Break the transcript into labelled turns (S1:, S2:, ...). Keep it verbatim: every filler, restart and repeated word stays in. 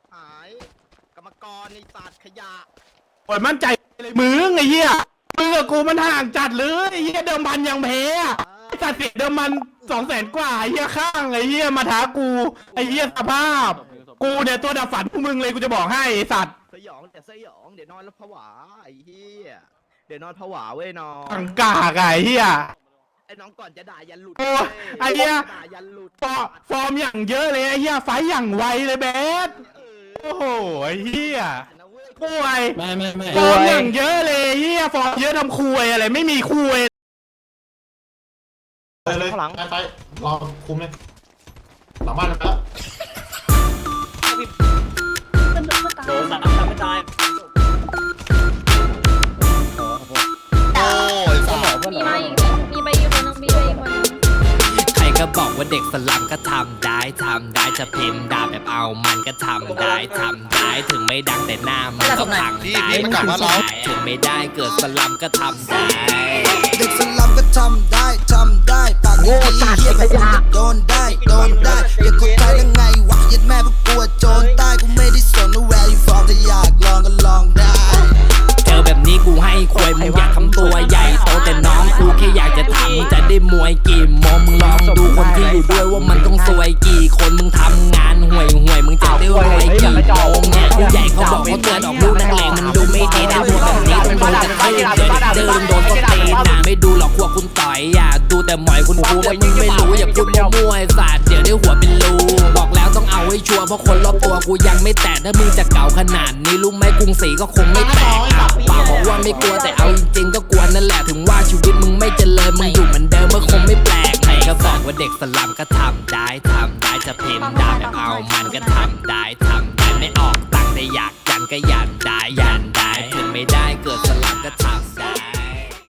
S1: หายกรรมกรในศาสตร์ขยะ
S2: โอ้ยมั่นใจเลยมึงไอ้เหี้ยมึงกับกูมันห่างจัดเลยไอ้เหี้ยเดิมพันยังแพ้อะไอ้สัตว์เสียเดิมพันสองแสนกว่าไอ้เหี้ยข้างไอ้เหี้ยมาท้ากูไอ้เหี้ยสภาพกูเนี่ยตัวดับฝันพวกมึงเลยกูจะบอกให้ไอ้สัตว์
S1: สยองแต่สยองเดี๋ยวนอนแล้วผวาไอ้เหี้ยเดี๋ยวนอนผวาเว้ยน้อง
S2: ขังกากอะไอ้เหี้ย
S1: ไอ้น้องก่อนจะด่ายันหลุด
S2: โอ้ไอ้เหี้ย
S1: ด่ายันหลุด
S2: ฟอร์ฟอร์มอย่างเยอะเลยไอ้เหี้ยไฟอย่างไวเลยเบส
S1: เออ
S2: โอ้โหไอ้เหี้ย
S1: นะเว้ย
S2: ป่วย
S3: ไม่ไม่ไม่
S2: ฟอร์มอย่างเยอะเลยเหี้ยฟอร์มเยอะทำคุยอะไรไม่มีคุย
S3: ไปเลยไปไปรอคุมเลยหลังบ้านแล้ว
S4: โดนสามทำไม่ตาย
S1: โอ้ยสมอง
S5: มีมาอีกมีไปอีกคนนึงมีไปอีกคนนึง
S6: ใครก็บอกว่าเด็กสลัมก็ทำได้ทำได้จะพิมพ์ด่าแบบเอามันก็ทำได้ทำได้ถึงไม่ดังแต่หน้ามันก็พังได้ถึงไม่ได้เกิดสลัมก็ทำได้
S7: เด็กสลัมก็ทำได้ทำได้ปากดีเหี้ยแบบมึงก็โดนได้โดนได้อย่าคนไทยแล้วไงวะยัดแม่พวกกูโจรใต้กูไม่ได้สนว่า where you from ถ้าอยากลองก็ลองได้
S6: เจอแบบนี้กูให้ควยมึงอยากทำตัวใหญ่โตแต่น้องกูแค่อยากจะทำจะได้มวยกี่โมงมึงลองดูคนที่อยู่ด้วยว่ามันต้องซวยกี่คนมึงทำงานห่วยห่วยมึงจะได้รวยกี่โมงเนี่ยผู้ใหญ่เขาบอกเขาเตือนออกลูกนักเลงมันดูไม่ดีนะพวกแบบนี้ต้องโดนกระทืบเจอเด็กเดินโดนก็ตีนะไม่ดูหรอกพวกคุณต่อยอย่าดูแต่หมอยคุณครูว่ามึงไม่รู้อย่าพูดมั่วๆศาสตร์เดี๋ยวได้หัวเป็นรูบอกแล้วต้องเอาให้ชัวร์เพราะคนรอบตัวกูยังไม่แตะถ้ามึงจะเก่าขนาดนี้รู้ไหมกรุงศรีก็คงไม่แตกอ่ะปากบอกว่าไม่กลัวแต่เอาจริงๆก็กลัวนั่นแหละถึงว่าชีวิตมึงไม่เจริญมึงอยู่เหมือนเดิมมันคงไม่แปลกใครก็บอกว่าเด็กสลัมก็ทำได้ทำได้จะพิมพ์ด่าแบบเอามันก็ทำได้ทำได้ไม่ออกตังค์แต่อยากยันก็ยันได้ยันได้ถึงไม่ได้เกิดสลัมก็ทำได้